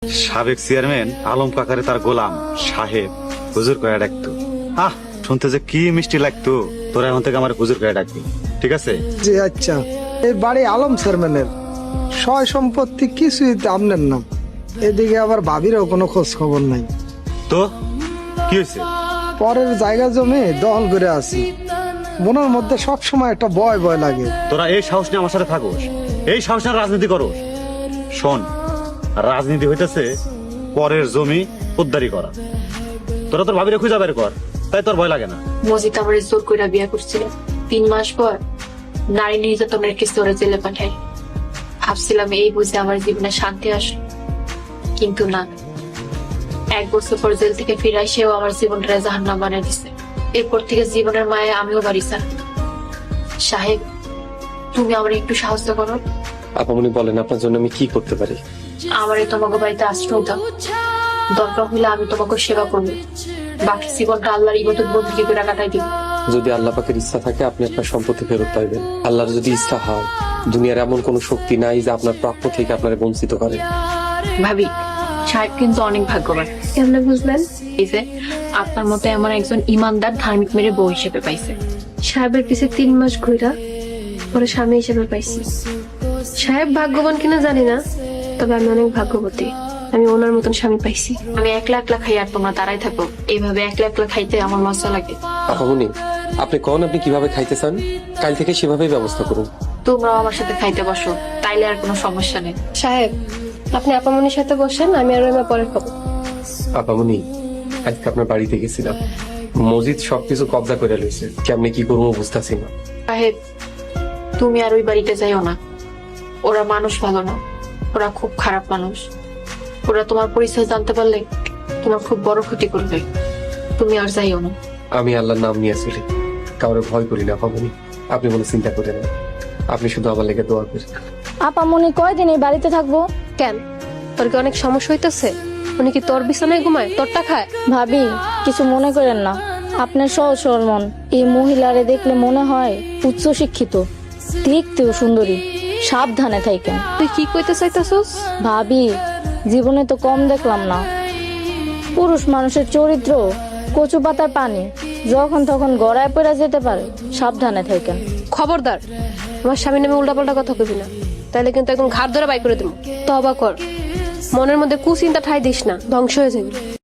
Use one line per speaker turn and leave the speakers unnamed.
সাবেক চেয়ারম্যান আলম কাকারে তার গোলাম সাহেব হুজুর করে ডাকতো। শুনতে যে কি মিষ্টি লাগতো। তোরা এখন থেকে আমার হুজুর করে ডাকবি, ঠিক আছে?
জি আচ্ছা। এই বাড়ি আলম চেয়ারম্যানের, সয় সম্পত্তি কিছুই আপনার নাম। এদিকে আবার ভাবিরও কোনো খোঁজ খবর নাই।
তো কি হয়েছে?
পরের জায়গা জমি দখল করে আছি, মনের মধ্যে সব সময় একটা ভয় ভয় লাগে।
তোরা এই সাহস নিয়ে আমার সাথে থাকোস, এই সাহস নিয়ে রাজনীতি করোস? শোন, রাজনীতি হইতেছে পরের জমি উদ্ধারি করা। তোরা তোর ভাবিরে খুঁজা বের কর, তাই তোর ভয় লাগে না।
মজিদ আমার জোর করে বিয়ে করছিল। 3 মাস পর নারী নির্যাতনের কেসে ওরা জেলে পাঠায়। ভাবছিলাম এই বুঝে আমার জীবনে শান্তি আসে, কিন্তু না। 1 বছর পর জেল থেকে ফিরে সেও আমার জীবনটা জাহান্নাম বানিয়ে দিছে। এরপর থেকে জীবনের মায়ে আমিও বাড়ি স্যার। সাহেব, তুমি আমার একটু সাহায্য করো।
আপামনি বলেন, আপনার জন্য আমি কি করতে পারি?
আমারে তোমাকে বাড়িতে আশ্রয় দাও। দরকার হলে আমি তোমাকে সেবা করবো। বাকি জীবনটা আল্লাহর ইবাদত বন্দেগী করে কাটাই দিব।
যদি আল্লাহ পাকের ইচ্ছা থাকে আপনি আপনার সম্পত্তি ফেরত পাইবেন। আল্লাহর যদি ইচ্ছা হয়, দুনিয়ার এমন কোন শক্তি নাই যে আপনার প্রাপ্য থেকে আপনার বঞ্চিত করে।
ভাবি, সাহেব কিন্তু অনেক ভাগ্যবান। কেমনে বুঝলেন? এই যে আপনার মতো এমন একজন ইমানদার ধার্মিক মেরে বউ হিসেবে পাইছে।
সাহেবের পিছে 3 মাস ঘুরা পরে স্বামী হিসেবে পাইছি। সাহেব ভাগ্যবান কিনা জানি না, তবে আমি অনেক ভাগ্যবতী। আমি ওনার মতন স্বামী পাইছি।
আমি একলা একলা খাই আর তোমরা তারাই থাকো। এইভাবে একলা একলা খাইতে আমার মজা লাগে।
আপামনি, আপনি কোন আপনি কিভাবে খাইতে চান, কাল থেকে সেভাবেই ব্যবস্থা করুন।
তোমরাও আমার সাথে খাইতে বসো, তাইলে আর কোনো সমস্যা নেই।
সাহেব, আপনি আপামনির সাথে বসেন, আমি আর রহিমা পরে খাবো।
আপামনি, আজকে আপনার বাড়িতে গেছিলাম, মসজিদ সবকিছু কবজা করে লইছে। কেমনে কি করবো বুঝতেছি না।
সাহেব, তুমি আর ওই বাড়িতে যাইও না। ওরা মানুষ ভালো না, ওরা খুব খারাপ মানুষ। ওরা তোমার পরিচয় জানতে পারলে তোমার খুব বড় ক্ষতি করবে। তুমি আর যাইও না।
আমি আল্লাহর নাম নিয়ে চলি, কাউরে ভয় করি না। আপামনি, আপনি কোনো চিন্তা করেন না, আপনি শুধু আমার লেগে দোয়া করেন।
আপামনি কয়দিন এই বাড়িতে থাকবো?
কেন, তোর কি অনেক সমস্যা হইতেছে? উনি কি তোর বিছানায় ঘুমায়, তোরটা খায়?
ভাবি, কিছু মনে করেন না। আপনার সহজ সরল মন, এই মহিলারে দেখলে মনে হয় উচ্চ শিক্ষিত, দেখতেও সুন্দরী। সাবধানে থাকেন।
তুই কি কইতে চাইতেছস?
ভাবি, জীবনে তো কম দেখলাম না। পুরুষ মানুষের চরিত্র কচু পাতার পানি, যখন তখন গড়ায় পড়ে যেতে পারে। সাবধানে থাকেন।
খবরদার, আমার স্বামীর নামে উল্টাপাল্টা কথা কবি না, তাইলে কিন্তু একদম ঘাড় ধরে বাই করে দেবো। তবা কর, মনের মধ্যে কুচিন্তা ঠাই দিস না, ধ্বংস হয়ে যাবি।